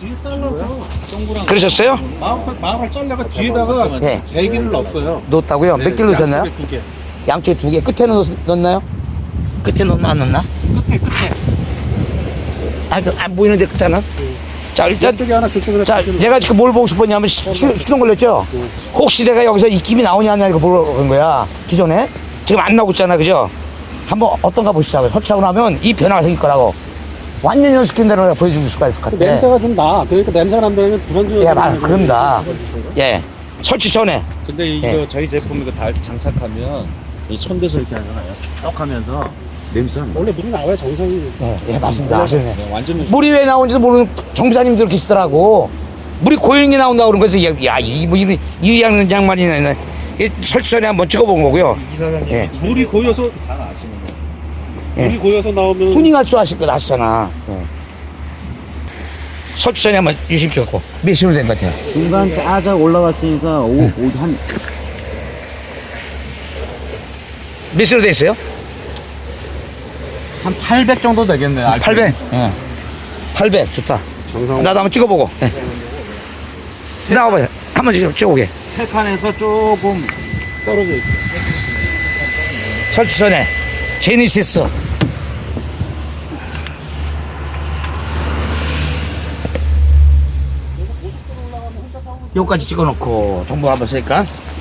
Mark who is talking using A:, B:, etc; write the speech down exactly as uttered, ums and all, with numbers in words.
A: 뒤에 잘라서 동그란
B: 그러셨어요?
A: 마음을 마음을 잘라가 뒤에다가
B: 네.
A: 배기를 넣었어요.
B: 넣었다고요?
A: 네,
B: 몇 개를 넣으셨나요?
A: 양쪽에 두 개.
B: 양쪽에 두 개. 끝에 넣, 넣었나요? 끝에 넣나 안 넣나?
A: 끝에 끝에.
B: 아, 그, 안 보이는데 끝에는? 자, 일단
A: 이쪽에 하나 저쪽에 하나.
B: 자,
A: 두 개를
B: 내가 지금 뭘 보고 싶었냐면 시, 시, 시동 걸렸죠? 혹시 내가 여기서 입김이 나오냐 안 나오냐 이거 보러 간 거야. 기존에. 지금 안 나오고 있잖아. 그죠? 한번 어떤가 보시자고요. 설치하고 나면 이 변화가 생길 거라고. 완전히 연습된 대로 내가 보여줄 수가 있을 것
A: 그
B: 같아.
A: 냄새가 좀 나. 그러니까 냄새가 난다면 불안정해.
B: 예, 맞아. 그런다. 예. 설치 전에.
C: 근데 이거
B: 예.
C: 저희 제품 이거 달 장착하면 이 손대서 이렇게 하잖아요. 촉촉하면서 냄새 안 나.
A: 원래 물이 나와야 정상이.
B: 예, 예 맞습니다. 아시네.
C: 네, 완전
B: 물이 왜 나오는지도 모르는 정비사님들 계시더라고. 물이 고용이 나온다고 그런 거에서, 야, 이, 뭐, 이, 이 양, 양말이네. 이 설치 전에 한번 찍어본 거고요.
C: 이사장님
B: 예.
A: 물이 고여서
C: 잘 아시는 거.
B: 예.
A: 물이 고여서 나오면
B: 투닝할 줄 아실 거 아시잖아. 예. 설치 전에 한번 유심 찍었고. 몇 시로 된 것 같아요?
D: 중간 짜자 올라왔으니까 오, 오, 한
B: 몇 시로 됐어요?
C: 한 팔백 정도 되겠네요. 알코올.
B: 팔백. 예. 팔백. 좋다.
A: 정상.
B: 나도 한번 찍어보고. 예. 나와봐요. 한번 찍어, 찍어보게.
C: 세 칸에서 조금
A: 떨어져 있어.
B: 설치 전에. 제니시스. 요까지 찍어놓고 정보 한번 쓸까?